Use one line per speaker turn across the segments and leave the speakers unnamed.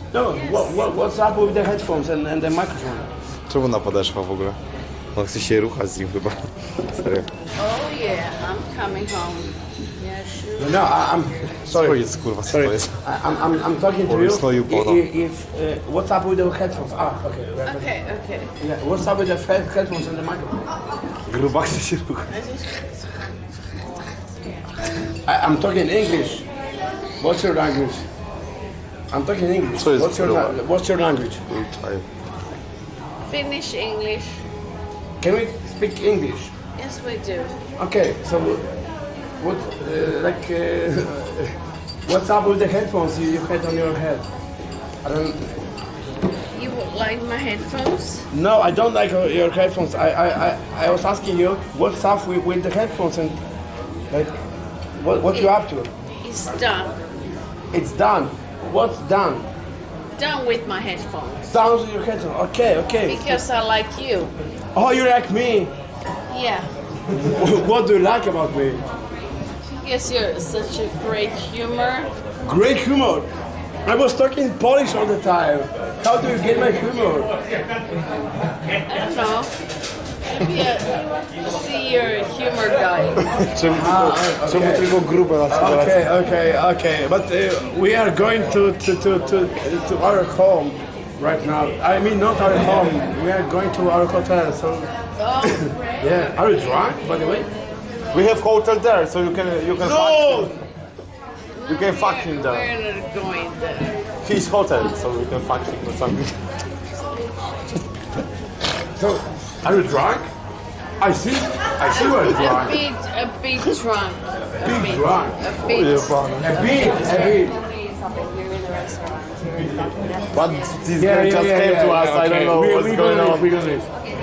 No, what's up with the headphones and the microphone?
Czemu ona podeszła w ogóle? On chce się ruchać z nim chyba. Serio.
Oh yeah, I'm coming home. Yeah, sure.
No, I'm
Co
sorry.
jest kurwa, co
Sorry,
to jest?
I'm talking to
Or
you.
it's not you, Bono.
What's up with the headphones? Okay.
Okay, okay.
Yeah, what's up with the headphones and the microphone?
Gruba chce się ruchać.
I'm talking English. What's your language? I'm talking English.
Co jest
What's your language?
Finnish English.
Can we speak English?
Yes, we do.
Okay, so what, what's up with the headphones you had on your head? I don't.
You would like my headphones?
No, I don't like your headphones. I was asking you what's up with the headphones and like what you up to?
It's done.
It's done. What's done?
Done with my headphones.
Done with your headphones. Okay.
Because I like you.
Oh, you like me?
Yeah.
What do you like about me?
Because you're such a great humor.
Great humor. I was talking Polish all the time. How do you get my humor?
I don't know. Maybe I see you're a humor guy.
Czemu tylko grube na przykład?
Okay. But we are going to our home right now. I mean, not our home. We are going to our hotel. So,
Oh,
yeah. Are you drunk, by the way?
We have hotel there, so you can fuck
No.
him. You can fuck him there.
we're not going there.
His hotel, so you can fuck him or something.
So, are you drunk? I see you're drunk.
A bit drunk. A
Big drunk.
A bit.
A bit.
But this girl just came to us, I don't know what's going on.
We're gonna leave.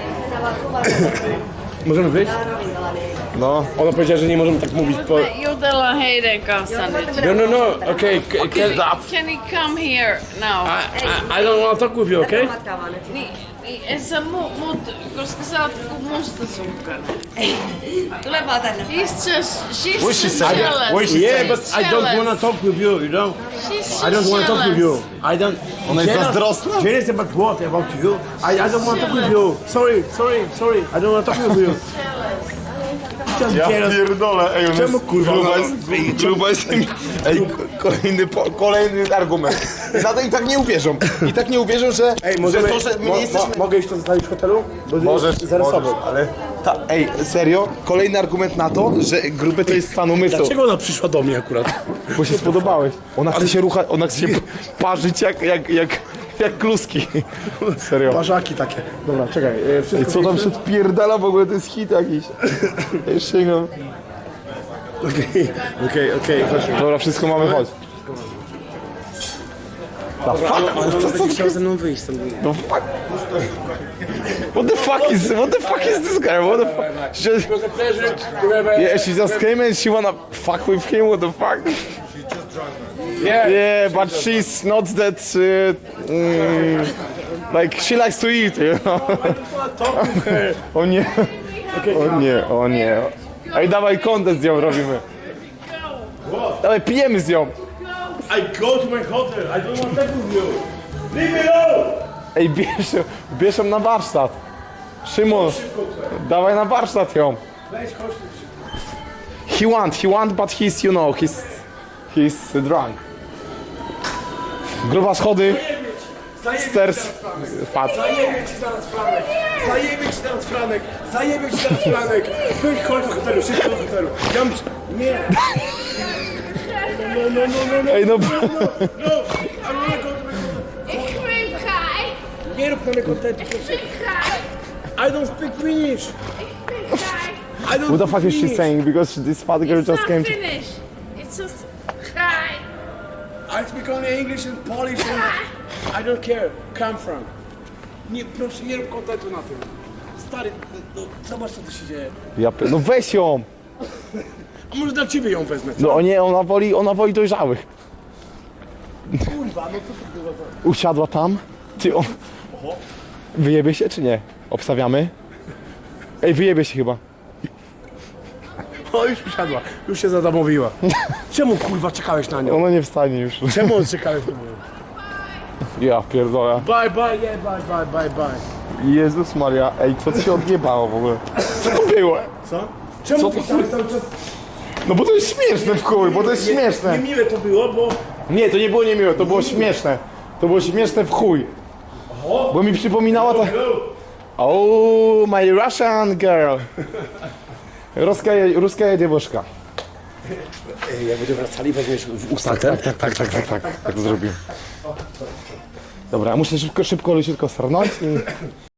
Możemy wyjść?
No.
Ona powiedziała, że nie możemy tak mówić po...
Jutella heidän kanssaan nyt.
No, okay.
Can you come here now?
I don't want to talk with you, okay?
Niin, et sä mut, koska sä oot ku mustasukkainen.
Tule vaan tänne.
She's
What she
so
said?
jealous.
What she
Yeah,
said?
but I don't want to talk with you, you know?
She's
I don't want to talk with you. I don't...
Ona jest zazdrosna?
Jealous about what? About you? I don't want to talk with you. Sorry. I don't want to talk with you. Just
Ja
jealous.
pierdolę, ej, on
Czemu,
jest
kurwa,
gruba jest... Ej, kolejny argument. I tak nie uwierzą. I tak nie uwierzą, że...
Ej, możemy...
że to, że my nie jesteśmy...
Mogę iść to zostawić w hotelu? Bo
Możesz,
zaraz
możesz, ale... Ej, serio? Kolejny argument na to, że gruby to jest stan umysłu.
Dlaczego ona przyszła do mnie akurat?
Bo się spodobałeś. Ona chce się ruchać, ona chce się parzyć jak kluski. Serio.
Parzaki takie. Dobra, czekaj.
Ej, co tam się odpierdala w ogóle? To jest hit jakiś. Ej, sięgam.
Okej, chodźmy.
Dobra, wszystko mamy, chodź.
On będzie chciał ze mną wyjść stąd.
No fuck. What the fuck is this guy? What the fuck? Yeah, she just came and she wanna fuck with him. What the fuck? Yeah, but she's not that. Like she likes to eat, you know. O nie. Ej, dawaj content z nią robimy. Dawaj, pijemy z nią.
I go to my hotel. I don't want to talk with you. Leave me alone.
Ej, bierz ją na warsztat. Szymon, dawaj na warsztat ją. He want, but he's, you know, he's drunk. Gruba schody. Stairs. Padł.
Zajebie ci zaraz Franek. Chodź do hotelu, szybko do hotelu. Nie. No.
Ej, no.
I wanna go to my hotel.
Ik ben Kai.
Nie rób na mnie kontentu, proszę. I don't speak Finnish. I don't
What the
speak
fuck is she
Finnish.
saying? Because this fat girl
It's
just
not
came to...
Finnish. It's just Kai.
I speak only English and Polish and I don't care. Come from. Nie, proszę, nie rób kontentu na tym. Stary, no, zobacz co tu się dzieje.
No weź ją.
A może dla ciebie ją wezmę, co?
No nie, ona woli dojrzałych.
Kurwa, no co to było za...
Usiadła tam. Ty, wyjebie się czy nie? Obstawiamy? Ej, wyjebie się chyba.
O, już usiadła, już się zadomowiła. Czemu kurwa czekałeś na nią?
Ona nie wstanie już.
Czemu czekałeś na nią?
Ja pierdolę.
Bye, bye, yeah, bye, bye, bye, bye.
Jezus Maria, ej, co ci się odjebało w ogóle? Co to było?
Co? Czemu
Co
ty
to-
tam cały czas...
No bo to jest śmieszne w chuj, bo to jest śmieszne.
Niemiłe to było, bo...
Nie, to nie było niemiłe, to było śmieszne. To było śmieszne w chuj. Bo mi przypominała ta... Oh, my Russian girl. Ruska dziewuszka.
Jak będziemy wracali, weźmiesz w usta
Tak zrobię. Dobra, muszę szybko leciutko sarnąć i...